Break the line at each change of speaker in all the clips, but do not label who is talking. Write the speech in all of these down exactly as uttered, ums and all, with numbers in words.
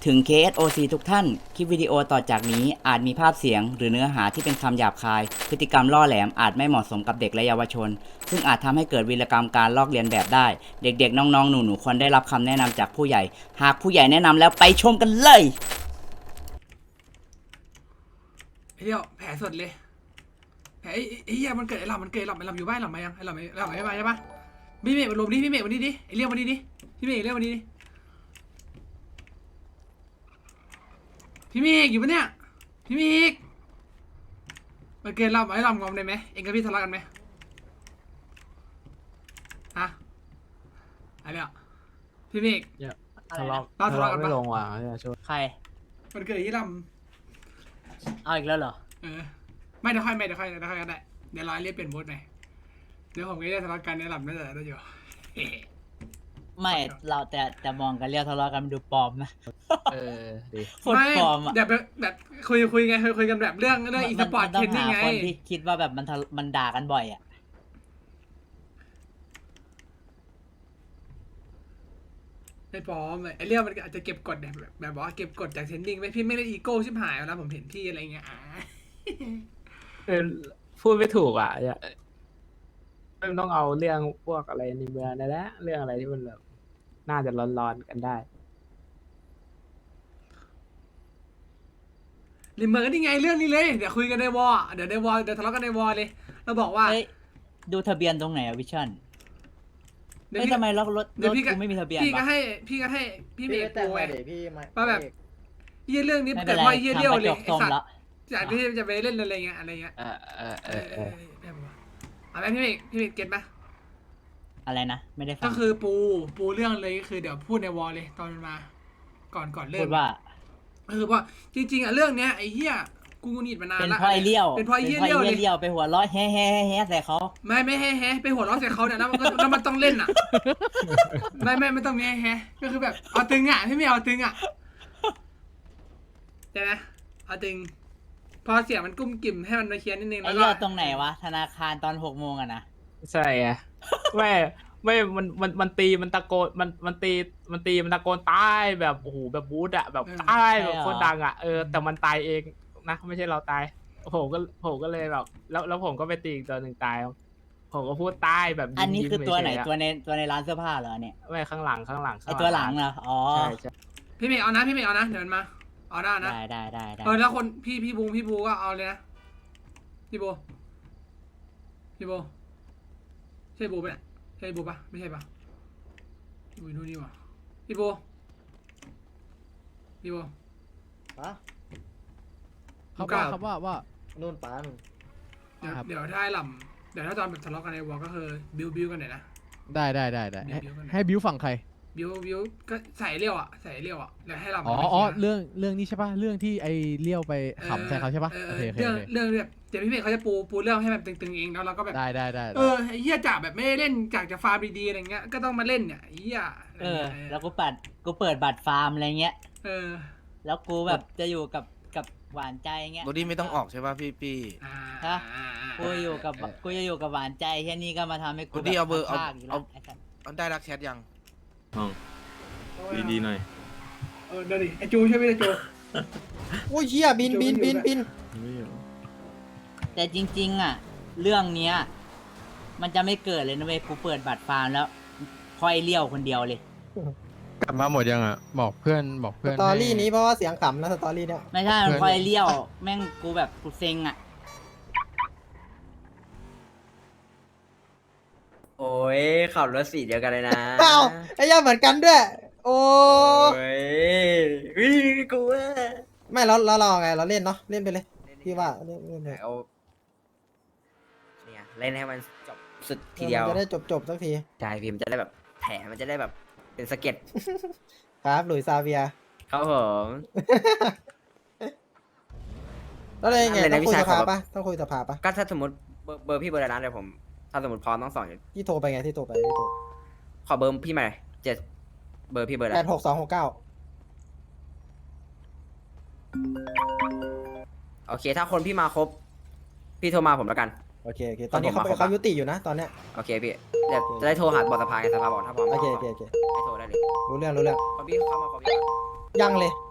ถึง เค เอส โอ ซี ทุกท่าน คลิปวิดีโอต่อจากนี้อาจมีภาพเสียงหรือเนื้อหาที่เป็นคำหยาบคาย พฤติกรรมล่อแหลมอาจไม่เหมาะสมกับเด็กและเยาวชน ซึ่งอาจทำให้เกิดวีรกรรมการลอกเลียนแบบได้ เด็กๆ น้องๆ หนูๆ ควรได้รับคำแนะนำจากผู้ใหญ่ หากผู้ใหญ่แนะนำแล้วไปชมกันเลย
ไอ้เดียวแผลสดเลยแผลไอ้ไอ้เหี้ยมันเกิดไอ้หลับมันเกิดไอ้หลับไอ้หลับอยู่บ้านหลับมายังไอ้หลับไอ้หลับไม่มาใช่ปะพี่เมฆมันลมดิพี่เมฆวันนี้ดิไอ้เลี้ยววันนี้ดิพี่เมฆเลี้ยววันนี้ดิพี่เมฆอยู่ปะเนี่ยพี่เมฆมันเกิดหลับไอ้หลับงอมได้ไหมเองกับพี่ทะเลาะกันไหมฮะอะไรอ่ะพี่เมฆ
ทะเลาะ
เราทะเลาะกันปะ
ไม่ลงว่ะเนี่ยช่วย
ใคร
มันเกิดที่ล
เอาอีกแล้วเหรอ
ำเออไม่เดี๋ยวค่อยไม่เดี๋ยวค่อยเดี๋ยวค่อยก็ได้เดี๋ยวรอเรียกเปลี่ยนโบสใหม่เดี๋ยวผมก็จะทะเลาะกันไอ้หลับน่าจะได้อยู่
ไม่เราแต่แต่มองกันเรียกทะเลาะกันดูปลอมนะ
เออดี
โคตร
ไม่
ปลอมอ่ะ
แบบแบบคุยคุยไงคุยคุยกันแบบเรื่องเรื่องอีสปอร์ต
ต้อ
เท
ง
นนิ่
หาง
ไง
คนที่คิดว่าแบบมันทะมันด่ากันบ่อยอ่ะ
ไม่ปลอมเลยไอ้เรื่องมันอาจจะเก็บกดแบบแบบว่าเก็บกดจากเทนนิ่งไม่พี่ไม่ได้อีโก้ชิบหายแล้วผมเห็นพี่อะไรเงี้ยอ่า
เออพูดไม่ถูกอ่ะเนี่ยมันต้องเอาเรื่องพวกอะไรในเมืองนั่นแหละเรื่องอะไรที่มันแบบน่าจะร้อนๆกันได้
ริมเมอร์ก็นี่ไงเรื่องนี้เลยเดี๋ยวคุยกันในวอลเดี๋ยวในวอลเดี๋ยวทะเลาะกันในวอลเลยเราบอกว่า
เฮ้ยดูทะเบียนตรงไหนอะวิชั่น
เดี๋ยว
เฮ้ย
พี่
ทำไมรถรถ
เดี๋
ร
ยว
ถ
พี่ก็
กูไม่มีทะเบียน
พี่ก็
วะ
ให้พี่ก็ให้พี่เม
พี่
ย์
ก็แต่ง
ปู
มา
ไง
เดี๋ยวพี่มา
ว่าแบบ เยี่ยเรื่องนี้
ไม่เป็
แต่
นไร
พอเยี่ยเลี้ยว
ทำกระ
เล
จ
ย
ก
ไอ้
ส้ม
สัต
ละ
ว์จากที่จะไปเล่นอะไรเงี้ยอะไรเงี้ย
เออเออเอ
เอ
อ
อ
เอ
เอ
อ
อแบบว่าอะไรพี่เมฆพี่เมฆเก็ตปะ
อะไรนะ ไม่ได้ฟั
ก็
ง
คือปูปูเรื่องเลยก็คือเดี๋ยวพูดในวอลเลยตอนมันมา ก่อนก่อนเริ่
พู
ม
ดว่า
ก็คือว่าจริงๆอ่ะเรื่องเนี้ยไอ้เหี้ยกูหนีดมานาน
เป็น
ละ
เพราะไอเลี้ยว
เป็นเพราะไอ้เหี้ยเลี้ยวเลย
เลี้ยวไปหัวเร้อยแฮ่แฮ่แฮ่ใส่เขา
ไม่ไม่แฮ่แฮ่ไปหัวเราะใส่เขาเนี่ยแล้วมันก็แล้วมันต้องเล่นอ่ะ ไม่ไม่ไม่ต้องมีแฮ่แฮ่ก็คือแบบเอาตึงอ่ะพี่ไม่เอาตึงอ่ะใช่ไหมเอาตึง พอเสียงมันกุ้มกิ่มให้มันมาเคลียร์นิดนึง
ไอ
แล้วก็
เลี้ยวตรงไหนวะธนาคารตอนหกโมงอะนะ
ใช่ไงไม่ไม่มันมันมันตีมันตะโกนมันมันตีมันตีมันตะโกนตายแบบโอ้โหแบบบู๊ดอะแบบตายแบบโคตรดังอะเออแต่มันตายเองนะไม่ใช่เราตายผมก็ผมก็เลยแบบแล้วแล้วผมก็ไปตีอีกตัวหนึ่งตายผมก็พูดตายแบบยิ้ม
อันนี้คือตัวไหน
ยิ้มเฉยๆะ
ตัวในตัวในร้านเสื้อผ้าเหรอเนี่ย
ไม่ข้างหลังข้างหลัง
ไอตัวหลังเหรออ๋อ
ใช่ใช่
พี่เมย์เอานะพี่เมย์เอานะเดี๋ยวมันมาเอาได้นะ
ได้ได้ได้ได้
เออแล้วคนพี่พี่บูพี่บูก็เอาเลยนะพี่บูพี่บูใช่บูปะเนี่ยใช่บูปะไม่ใช่ปะพี่บูนู่นนี่วะพี่บูพี่บู
ฮะ
ครับว่าครับว่าว่า
นู่นป้านู่น
เดี๋ยว
ครับ
เดี๋ยวถ้าไอ้ลำเดี๋ยวถ้าตอนแบบทะเลาะกันในวอลก็คือบิวบิวกันหน่อยนะ
ได้ได้ได้ได้ให้
บิวกันหน่อย
ให้บิวฝั่งใคร
บิวบิวก็ใส่เลี้ยวอ่ะใส่เลี้ยวอ่ะเดี๋ยวให้ลำ
อ๋อ
มา
อ๋อ
คลียร์
เรื่องเรื่องนี้ใช่ป่ะเรื่องที่ไอเลี้ยวไปขำใส่เขาใช่ป่ะ
ออ
โอ
เอ
เค
อ
โอเค
เรื่อง
โอเค
เรื่องแบบเดี๋ยวพี่เมย์เขาจะปูปูเรื่องให้แบบตึงๆเองแล้วเราก็แบบ
ได้ได้ได้
เออไอ้เหี้ยจ่าแบบไม่ได้เล่นจากจะฟาร์มดีๆอะไรเงี้ยก็ต้องมาเล่นเนี่ยไอ้เหี้ย
เออ แล้วกูปัดกูเปิดบัตรฟาร์มอะไรเงี้ย
เออ
แล้วกูแบบจะอยู่กับกับหวานใจเงี้ย
โรดี้ไม่ต้องออกใช่ป่ะพี่พี่
อ่า
ฮะ
อ่าอ่า
กูอยู่กับกูจะอยู่กับหวานใจแค่นี้ก็มาทำให้กู
โรดี้เอาเบอร์เอา
พลดกแล้ว
เอา
ไอ้สัส
เอาได้รักแชทยัง
ดีๆหน่อย
เออเดี๋ยวดิไอ้จูใช่ไหมไอ้จู
โอ้ยเหี้ยบินบินบินบิน
ไม่อยู่
แต่จริงๆอ่ะ เรื่องเนี้ย มันจะไม่เกิดเลยนะเว้ยกูเปิดบัตรฟาร์มแล้วพอไอเลี้ยวคนเดียวเลย
กลับมาหมดยังอ่ะบอกเพื่อนบอก
ส
เพื่อน
ตอรี่นี้เพราะว่าเสียงขำนะสตอรี่เนี่ย
ไม่ใช่มันพอไอเลี้ยว แม่งกูแบบกูเซ็งอ่ะ
โอ้ยขับรถสีเดียวกันเลยนะ
เปล่าไอ้เหี้ยเหมือนกันด้วย โอ้
โอ้ยวิกูว่า
ไม่แล้วแล้วเราไงเราเล่นเนาะเล่นไปเลยพี่ว่าเล่นเล่นเลย
เอาเนี่ยเล่นให้มันจบสุดทีเดียว
มันจะได้จบจบสักที
ใช่พิมพ์จะได้แบบแผลมันจะได้แบบเป็นสะเก็ด
ครับหลุยส์ซาเวียร์
ครับผม
แล้วอะไรไง
นั่นเลยนะ
ต้องคุย
พี่ชาย
สภา
ขอ
ปะต้องคุยสภาปะ
ก็ถ้าสมมติเบอร์เบอร์พี่เบอร์อะไรนะเดี๋ยวผม ถ้าสมมติพร้อมต้องสอนอยู่
ที่โทรไปไงที่โทรไปที่โทร
ขอเบอร์พี่ใหม่เจ็ดเบอร์พี่เบอร์อะไร
แปดหกสองหกเก้า
โอเค ถ้าคนพี่มาครบ พี่โทรมาผมแล้วกัน
โอเคโอเคตอนนี้เขา
ผมมาครบ
เขา
อะ
ยุติอยู่นะตอนเนี้ย
โอเคพี่เดี๋ยวจะได้โทรหาบอสสภาไงสภาบอกถ้าพร้อม
โอเค
ก็
โอเคโอเค
ให้โทรได้เลย
รู้เรื่องรู้เรื่อง
คนพี่เข้ามาครบยัง
ยังเลย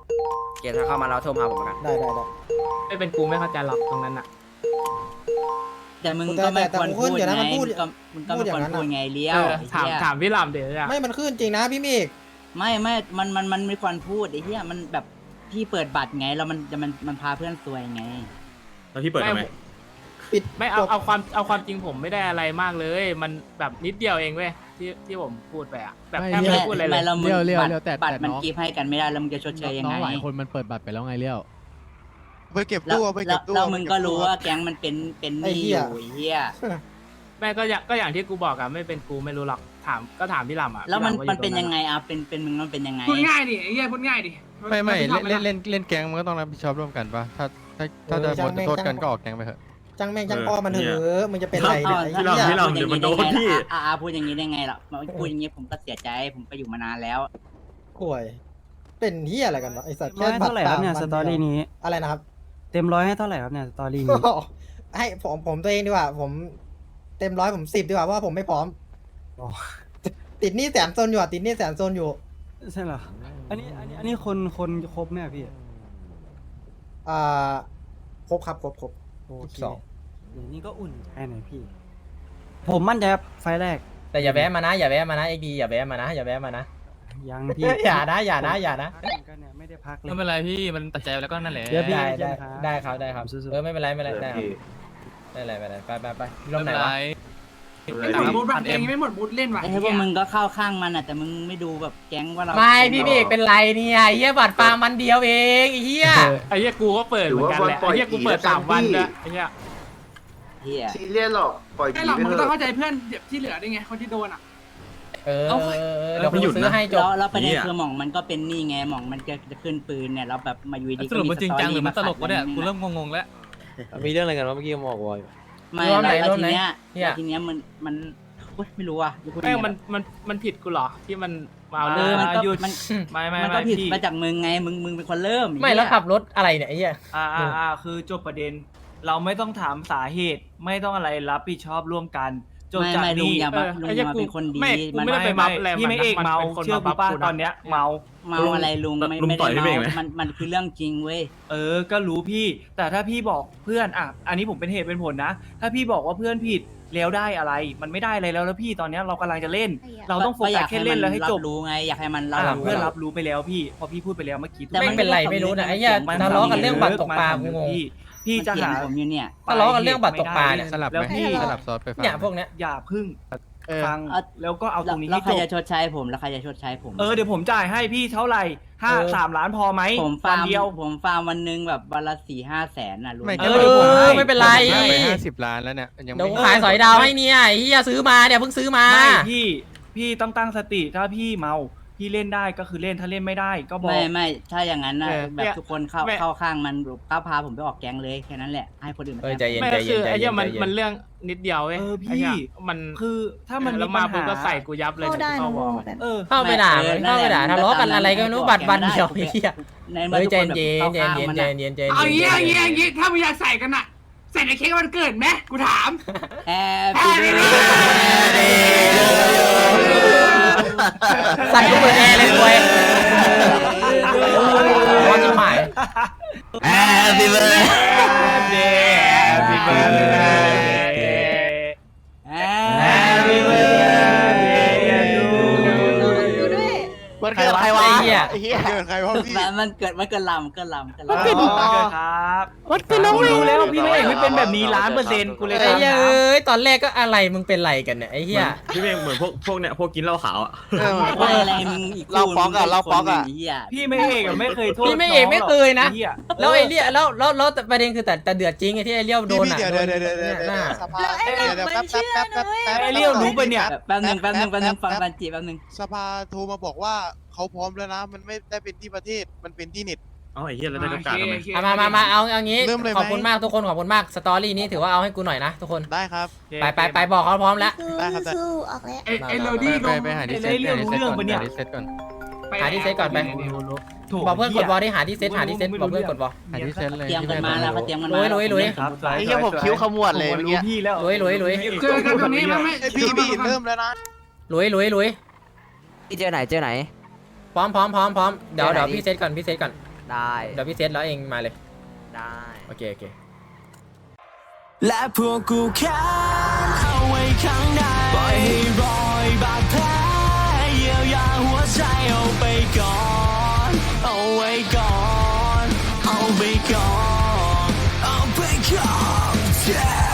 เกตถ้าเข้ามาแล้วโทรมาผมเหมือนกัน
ได้ได้ได้
ไม่เป็นกูไม่เข้าใจหรอกตรงนั้นอ่ะ
แต่มึง
แต่
ก็ไม่
แต่
ควร
แต่
พูด
เดี๋ยวนะ
ไง
มันพู
มึ
ด
งก็มึงก็
พู
ไม่
ดอ
คว
ย่าร งนั้น
พูด
อะ
ไงเลี้ย
เอ
ว
อ
ไอ้
ถาม
เหี้ย
ถามพี่ลำเดี๋ยวอะ
ไม่มันขึ้นจริงนะพี่เมฆ
ไม่ไม่มันมันมันไม่ควรพูดไอ้เหี้ยมันแบบพี่เปิดบัตรไงแล้วมันจะมันมันพาเพื่อนซวยไง
แล้วพี่เปิดทำไม
ปิด
ไม่
จ
เอา
บ
เอาความเอาความจริงผมไม่ได้อะไรมากเลย มันแบบนิดเดียวเองเว้ยที่ที่ผมพูดไปอะแบบแทบไม่ได้พูดอะไรเล
ไม่
ย
แล้วมึง
เลี้ยวเลี้ยว
บัตร
เลี้ยวแต่
บัตร
แต่
มัน
น้อง
กีบให้กันไม่ได้แล้วมึงจะชดเชยยัง
น้อ
ไง
งหลายคนมันเปิดบัตรไปแล้วไงเลี้ยว
ไปเก็บ
แล้ว
ตู้เอาไป
แล้
เก็
ว
บตู้
แล้ว
เอไป
มึง
เบ
ก็
ตู้
รู้
ครับ
ว่าแก๊งมันเป็นเป็นหนี้อยู่ไอ้เหี้ย
แม่ก็อย่างก็อย่างที่กูบอกอะไม่เป็นกูไม่รู้หรอกถามก็ถามพี่ลำอะ
แล้วมัน
พี่ลำว่าอ
มันเป็น
ตร
ยังไงอ่ะเป็นเป็นมึงมันเป็นยังไง
พูดง่ายดิไอ้เหี้ยพูดง่ายดิ
ไม่ไม่
รับผิดช
เล่
อบ
นเล่นเล่นเล่นแก๊งมันก็ต้องรับผิดชอบร่วมกันปะถ้าถ้าถ้าจะบทโทษกันก็ออกแก๊งไปเถอะ
จังแม่งจังอ้อมันเหอะมึงจะเป็นไร
เอา
เนี่ยไอ้
ถ้า
เหี้ย
เราพูดอย่างนี้ได้ไงล่ะอ่าอ่าพูดอย่างนี้ได้ไงล่ะพูดอย่างนี้ผมก็เสียใจผมก็อยู่มานานแล้ว
ป่วย เป็นเหี้ยอะไรกันวะไอ้สัตว์
ร้อยให้เท่าไหร่ครับเนี่ยสตอรี่นี้
อะไรนะครับ
เต็มร้อยให้เท่าไหร่ครับเนี่ยสตอรี่นี้
ให้ผมผมตัวเองดีกว่า ผมเต็มร้อยผมสิบดีกว่าเพราะว่าผมไม่พร้อม
อ๋อ
ติดหนี้แสนโซนอยู่อ่ะติดหนี้แสนโซนอยู่
ใช่เหรออันนี้อันนี้อันนี้คนคนครบไหมอะพี่
อ่าครบครับครบครบ
โอเค
สอง
เดี๋ยวนี้ก็อุ่นใจหน่อยพี่ ผมมั่นใจครับไฟล์แรก
แต่อย่าแวะมานะอย่าแวะมานะเอ็กดีอย่าแวะมานะอย่าแวะมานะ
ยังพี่
อย่านะอย่านะอย่านะ
พักเหมือนกันเนี่ยไม่ได้พักเลย
ไม่เป็นไรพี่มันตัดใจแล้วก็นั่นแหละ
เดี๋ยวพี่
ได้
เจ
ได้
อกันครับ
ได้ครับได้ครับ
สู้ๆ
เออไม่เป็นไรไม่เป็นไรได้ครับไม่เป็นไรไม่เป็นไรไปไปไปลมไหนวะ
ไม่หมดบูธแบบเองไม่หมดบูธเล่นว่ะ
ไอ้พวกมึงก็เข้าข้างมันอ่ะแต่มึงไม่ดูแบบแก๊งว่าเรา
ไม่พี่เมฆเป็นไรเนี่ยไอ้เฮียบัตรฟาร์มมันเดียวเองไอ้เฮีย
ไอ้เหี้ยกูก็เปิดเหมือนกันแหละไอ้เหี้ยกูเปิดสามวันด้วยไอ้เหี้ย
เหี้ย
ซีเรียสหรอกปล่อย
ไม่หรอกมึงต้องเข้าใจเพื่อนที่เหลือได้ไงคนที่โดนอ่ะ
เออเดี๋ยวผมซื้อให้จบ
แล้วแล้วประเด็นคือหม่องมันก็เป็นนี่ไงหม่องมันจะจะขึ้นปืนเนี่ยแล้วแบบมาอยู่ดี
สรุปมันจริงจังหรือมันตลกวะเนี่ยกูเริ่มงงๆแล้ว
มีเรื่องอะไรกันวะเมื่อกี้บอกว่า
ไม่
รวมไหน
แล้ว
รวม
ที
ไหน
เนี้ย
เหี้ย
แล้วทีเนี้ยมันมันเว้ยไม่รู้อ่ะจะพูดยัง
แม่ง
ไง
มันมันมันผิดกูเหรอที่มันมาเอา
เอ
เรื่อ
อง มันก็
หยุด
มัน
ไม่ไม่
มันก็
ไม่
ผิด
พี่
มาจากมึงไงมึงมึงเป็นคนเริ่ม
ไม่แล้วขับรถอะไรเนี่ยไอ้เฮีย
อ่าอ่าอ่าคือจบประเด็น เราไม่ต้องถามสาเหตุไม่ต้องอะไรรับผิดชอบร่วมกันจบ
ไม่
จาก
ไม่ลุง
นี้
อย่า
เอ
มา
อ
ลุง
ไอ้
อ
เหี้
ย่าย มา
กู
เป็นคนดี
ไม่กู
มัน
ไม่ได้ไปบัฟอะไร
พี่ไม่เอก
น
เมา
ป็นคน
เชื่อ
บั
กู
ฟ
ป้า
กูะ
ตอนเนี้ยเมา
เมาอะไรลุงไม่
ลุง
ไม่
ต่
ได้
อยพี่เมฆ
เมา
ไหม
มันมันคือเรื่องจริงเว้ย
เออ ก็รู้พี่ แต่ถ้าพี่บอกเพื่อนอ่ะ อันนี้ผมเป็นเหตุเป็นผลนะ ถ้าพี่บอกว่าเพื่อนผิดแล้วได้อะไร มันไม่ได้อะไรแล้วแล้วพี่ตอนเนี้ยเรากำลังจะเล่น เราต้องโฟกัสแค่เล่นแล้วให้จบ
รู้ไงอยากให้มันรับ
อ่ะ
รู้
เพื่อนรับรู้ไปแล้วพี่ พอพี่พูดไปแล้วเมื่อกี้
แต่
ไม่
มัน
เป็นไรไม่รู้นะไอ้เฮีย
มัน
ทะเลาะกันเรื่องบัตรตกปลา
มัน
กูงง
พี่พี่จะหา
ผมอยู่เนี่ย
ทะเลาะกันเรื่องบัตรตกปลาเนี่ย
สลับ
แล้ว
ไหม
พี่
สลับซอสไปฟัง
เนี่ยพวกเนี้ย
อย่าพึ่ง
เออ
ฟัง
เอา
แล้วก็เอาตรงนี้
แล้ว
ให้
ใคร
จ
จะ
บ
ชดใช้ผมแล้วใครจะชดใช้ผม
เออเดี๋ยวผมจ่ายให้พี่เท่าไหร่ห้า
เออ
สามล้านพอไหม
ผมฟา
วัน
ร์ม
เดียว
ผมฟาร์มวันหนึงแบบวันละสี่ห้าแสนน่ะลุง
ไม่
เอ
ก็
อ
เดี๋ยวผมให้
ไม่เป็นไร
ผมไปห้าสิบล้านแล้วเนี่ยยัง
เดี๋ยว
ไม่
กูขายสอยดาวให้เนี่ยไอ้เฮียซื้อมาเนี่ยเพิ่งซื้อมา
ไม่พี่พี่ต้องตั้งสติถ้าพี่เมาพี่เล่นได้ก็คือเล่นถ้าเล่นไม่ได้ก็บอก
ไม่ไม่ถ้าอย่างนั้นนะ
เออ
แบบ
เนี่ย
ทุกคนเข้า
แม่
เข้าข้างมันก้าวพาผมไปออกแก๊งเลยแค่นั้นแหละให้คนอื่นมา
เออ
แทน
ใจเย็น
ไม่
ใจ
ก็
เย็
คื
น
อ
ใจ
ไอ้
เย็
เหี้ย
น
มัน
ใจเย็
มัน
น
เรื่องนิดเดียวเว้ย
เออ
ไอ้หี้
พี่
ยมัน
คือถ้ามันมี
แล้ว
ปั
มา
ญ
ปุ๊บ
หา
ก็ใส่กูยับเลย
เข้าได้
เข้า
นะ
วอล
แต่
เออ
เข้าไปด่า
ออ
เข้าไปด่า
นั่น
ทะ
แหละ
เลาะกันอะไรก็ไม่รู้บัตรวันเดียว
โอ
ไอ้
เค
เหี้ย
ใน
เฮ้ย
ทุก
ใจ
คนแบบ
เย็น
ข้า
ใจ
ข้าง
เย็น
มัน
ใจ
อะ
เย็นใจ
เอา
เย็น
อย่างงี้อย่างงี้อย่างงี้ถ้ามึงอยากใส่กันอะใส่ในเค้กวันเกิดไหมกูถาม
แฮปปี้เบิร์ด
สั่นกูเปิดแอร์เลยคุยร้อนจิ๋วหาย
Happy birthday
Happy birthday
Happy birthday
ดูด้วย
มันเกิดใครวะ
ไอ้เหี้ย
เหี้ยเกิดใครวะพี่
มันเกิดมันเกิดลำเกิดลำเกิด
อ๋อ
ลำ
เกิดครับวัดเป็นน้องรู้แล้วพี่ไม่เอกไม่เป็นแบบนี้ล้านเปอร์เซ็นต์กูเลย
ไอ้
ถาม
เหี้ยเอ้ยตอนแรกก็อะไรมึงเป็นไรกันเนี่ยไอ้เหี้ย
พี่เมฆเหมือนพวกพวกเนี่ยพวกกินเหล้าขาวอ่ะ
ไม่อะไรมึงอีก
เราป๊อกอะเราป๊อกอะ
เหี้ย
พี่ไม่เอกอะไม่เคยโทษ
พี่ไม่เอกไม่เคยนะ
ไอ้เหี้ย
แล้วไอ้เลี้ยแล้วแล้วแล้วประเด็นคือแต่แต่เดือดจริงไอ้ที่ไอ้เลี้ยวโด
พี่
น
พี่
อ่ะ
เดี๋ยวเดี๋ยวเดี๋ยวเดี๋ยว
หน้า
สภา
แล้วไอ้
เดี๋ยว
หลั
เดี๋ยว
ง
แป๊บ
มัน
แป๊บ
เชื่
แป๊
อบ นะเว้ย
แป๊บแป๊บ
ไอ้เลี้ยวรู้ปะเนี่ย
แป๊บหนึ่งแป๊บหนึ่งแป๊บหนึ่งฟังฟังจีแป๊บหนึ่ง
สภาโทรมาบอกว่าเขาพร้อมแล้วนะ มันไม่ได้เป็นที่ประเทศมันเป็นที่เน็ต
เอ้าไอ้เหี้ยแล้วได้กำกับทำไม
เอามามามาเอาเอางี้
เริ่มเลยไหม
ขอบคุณมากทุกคนขอบคุณมากสตอรี่นี้ถือว่าเอาให้กูหน่อยนะทุกคน
ได้ครับ
ไปไปไปบอกเขาพร้อมแล้ว
สู้
ได้ครับได้
สู้ออกแล้ว
ไอ้ไอ้โรดี้ล
ไป
ง
ไปหาที่เซ็ต
ไอ้เรื่องรู้เรื่องปะเนี่ย
หาที่เซ็ตก่อน
หาที่เซ็ตก่อนไป
ถู
บอกเพื่อนกดบอลที่หาที่เซ็ตหาที่เซ็ตบอกเพื่อนกดบอล
หาที่เซ็ตเลย
เตรียมกันมาแล้วเขาเตรียมกัน
ลุ
มาย
ลุยลุย
ครับ
ไอ้เหี้ยผมคิ้วขมวดเลย
ผม
เมื่อ
รู้
กี้
พี่แล้ว
ลุยลุยลุย
เจอกันตรงนี้ไหมไม่
ไอ้พี่พี่เริ่มแล้วนะ
ลุยลุยลุย
พี่เจอไหนเจอไหน
พร้อมพร้อมพร้อมพร้อมเดี๋ยวเดี๋ยวพี่เซ็ตก่อนพี่เซ็ตก่อน
ได้
เดี๋ยวพี่เซตแล้วเองมาเลย
ได้
โอเคโอเค
และพวกกูแค้นเอาไว้ข้างในปล่อยให้รอยบาดแผลเยียวยาหัวใจเอาไปก่อนเอาไว้ก่อนเอาไปก่อนเอาไปก่อน